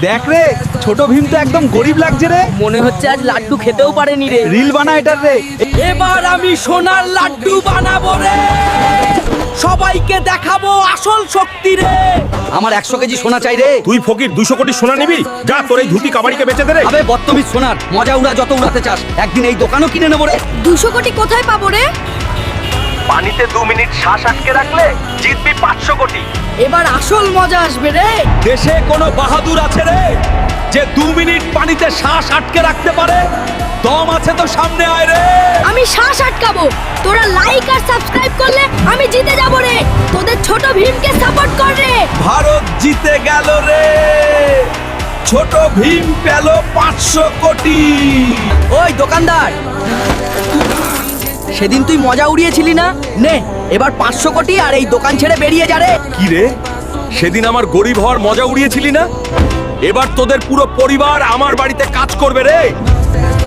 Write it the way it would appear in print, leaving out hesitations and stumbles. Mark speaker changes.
Speaker 1: দেখ রে, ছোট ভীম তো একদম গরিব লাগছে রে।
Speaker 2: মনে হচ্ছে আজ লাড্ডু খেতেও পারেনি রে।
Speaker 1: রিল বানা এটার রে।
Speaker 2: এবার আমি সোনার লাড্ডু বানাবো রে, সবাইকে দেখাবো আসল শক্তি রে।
Speaker 1: আমার 100 কেজি সোনা চাই রে।
Speaker 3: তুই ফকির 200 কোটি সোনা নিবি? যা তোর এই ধুতি কাবাড়িকে বেচে দে রে।
Speaker 1: আবে বত্তমিজ সোনার মজা উড়া যত উড়াতে চাস, একদিন এই দোকানও কিনে নেবো রে।
Speaker 4: 200 কোটি কোথায় পাবো রে?
Speaker 5: পানিতে 2 মিনিট শ্বাস আটকে রাখলে জিতবি 500 কোটি।
Speaker 2: এবার আসল মজা আসবে রে।
Speaker 1: দেশে কোনো বাহাদুর আছে রে যে 2 মিনিট পানিতে শ্বাস আটকে রাখতে পারে? দম আছে তো সামনে আয় রে।
Speaker 4: আমি শ্বাস আটকাবো। তোরা লাইক আর সাবস্ক্রাইব করলে আমি জিতে যাবো রে। তোদের ছোট ভীমকে সাপোর্ট কর রে।
Speaker 1: ভারত জিতে গেল রে, ছোট ভীম পেল 500 কোটি।
Speaker 2: ওই দোকানদার, সেদিন তুই মজা উড়িয়েছিলি না? নে এবার 500 কোটি আর এই দোকান ছেড়ে বেরিয়ে যা রে।
Speaker 3: কি রে, সেদিন আমার গরিব হওয়ার মজা উড়িয়েছিলি না? এবার তোদের পুরো পরিবার আমার বাড়িতে কাজ করবে রে।